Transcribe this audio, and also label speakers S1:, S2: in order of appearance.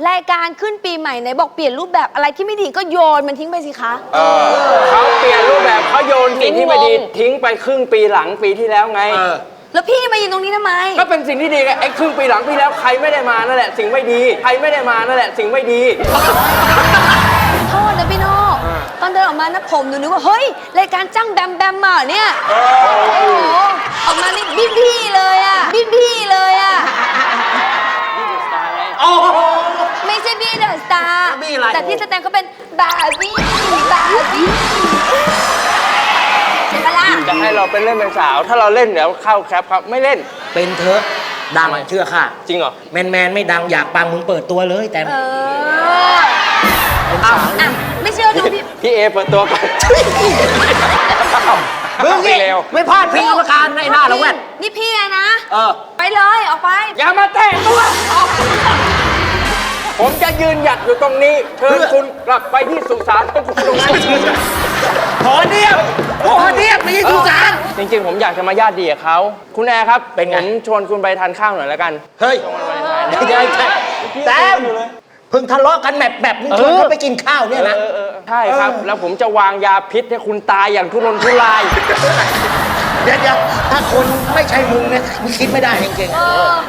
S1: รายการขึ้นปีใหม่ไหนบอกเปลี่ยนรูปแบบอะไรที่ไม่ดีก็โยนมันทิ้งไปสิคะ
S2: เขาเปลี่ยนรูปแบบเขาโยนสิ่งที่ไม่ดีทิ้งไปครึ่งปีหลังปีที่แล้วไง
S1: แล้วพี่มายืนตรงนี้ทำไม
S2: ก็เป็นสิ่งที่ดีไงไอ้ครึ่งปีหลังปีแล้วใครไม่ได้มานั่นแหละสิ่งไม่ดีใครไม่ได้มานั่นแหละสิ่งไม่ดี
S1: โทษนะพี่โน่ตอนเดินออกมานะผมหนูนึกว่าเฮ้ยรายการจ้างแบมแบมมาเหรอเนี่ยโอ้โหออกมานี่พี่เลยอะพี่เลยอะไม่ใช่พี่เดอะสตาร์แต่ที่แสดงเขาเป็นบาร์บี้ใช่ปะล่ะ
S2: จะให้เราเป็นเล่นเป็นสาว ถ้าเราเล่นเดี๋ยวเข้าแคปครับไม่เล่น
S3: เป็นเถอะดังเชื่อค่ะ
S2: จริงเหรอ
S3: แมนไม่ดังอยากปังมึงเปิดตัวเลยแต่
S1: อ่ะไม่เชื่อดูพี่
S2: พี่เอเปิดตัวก่อน
S3: มึงนี่
S2: เร็ว
S3: ไม่พลาดพิงกรรมการในหน้าหรอกแว่น
S1: นี่พี่อะนะ ไปเลย ออกไป
S2: อย่ามาแตะตัวผมจะยืนหยัดอยู่ตรงนี้เชิญคุณกลับไปที่สุสานของคุณตรงนั้น
S3: ขอเดียบไม่ใช่สุสาน
S2: จริงๆผมอยากจะมาญาติดีกับเขาคุณแอร์ครับ
S3: เป็นไง
S2: ผมชวนคุณไปทานข้าวหน่อยแล้วกัน
S3: เฮ้ยแต้มเพิ่งทะเลาะกันแบบมึงชวนเขาไปกินข้าวเนี่ยนะ
S2: ใช่ครับ แล้วผมจะวางยาพิษให้คุณตายอย่างทุรนทุราย
S3: เดี๋ยวถ้าคนไม่ใช่มึงเนี่ยมึงคิดไม่ได้จริง